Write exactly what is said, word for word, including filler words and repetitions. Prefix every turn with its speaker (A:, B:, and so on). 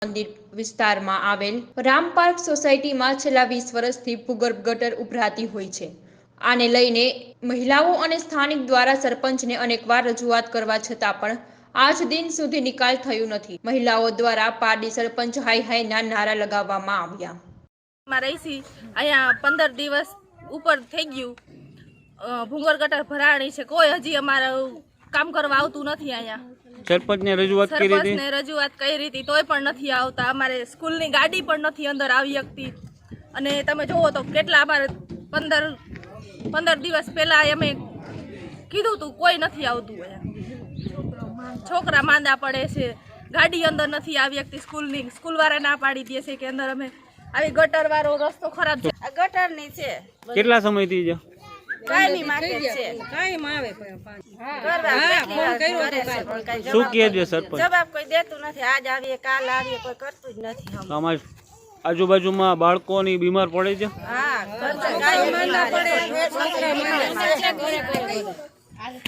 A: મંદિર વિસ્તારમાં આવેલ રામ પાર્ક સોસાયટીમાં છેલ્લા વીસ વર્ષથી ભૂગર્ભ ગટર ઉભરાતી હોય છે। આને લઈને મહિલાઓ અને સ્થાનિક દ્વારા સરપંચને અનેકવાર રજૂઆત કરવા છતાં પણ આજ દિન સુધી નિકાલ થયું નથી। મહિલાઓ દ્વારા પારડી સરપંચ હાય હાયના નારા લગાવવામાં આવ્યા।
B: અહીંયા પંદર દિવસ ઉપર થઈ ગયું, ભૂગર્ભ ગટર ભરાણી છે, કોઈ હજી અમારા કામ કરવા આવતું નથી। અહીંયા
C: સરપંચને રજૂઆત કરી હતી
B: સરપંચને રજૂઆત કરી હતી તોય પણ નથી આવતા। અમારે સ્કૂલની ગાડી પણ નથી અંદર આવી શકતી અને તમે જોવો તો કેટલા અમારે પંદર પંદર દિવસ પહેલા અમે કીધું તું કોઈ નથી આવતું। અહીંયા છોકરા માંદા પડે છે, ગાડી અંદર નથી આવી શકતી। સ્કૂલની સ્કૂલવાળા ના પાડી દે છે કે અંદર અમે આવી ગટર વાળો રસ્તો ખરાબ છે। આ ગટરની છે
C: કેટલા સમયથી છે?
B: કાયમી માર્કેટ છે,
D: કાયમ આવે
C: શું કહે છે સરપંચ?
B: જવાબ કોઈ દેતું નથી। આજ આવીએ કાલ આવીએ કોઈ કરતું જ નથી।
C: અમારી આજુબાજુમાં બાળકોની બીમાર પડે છે।
B: હા,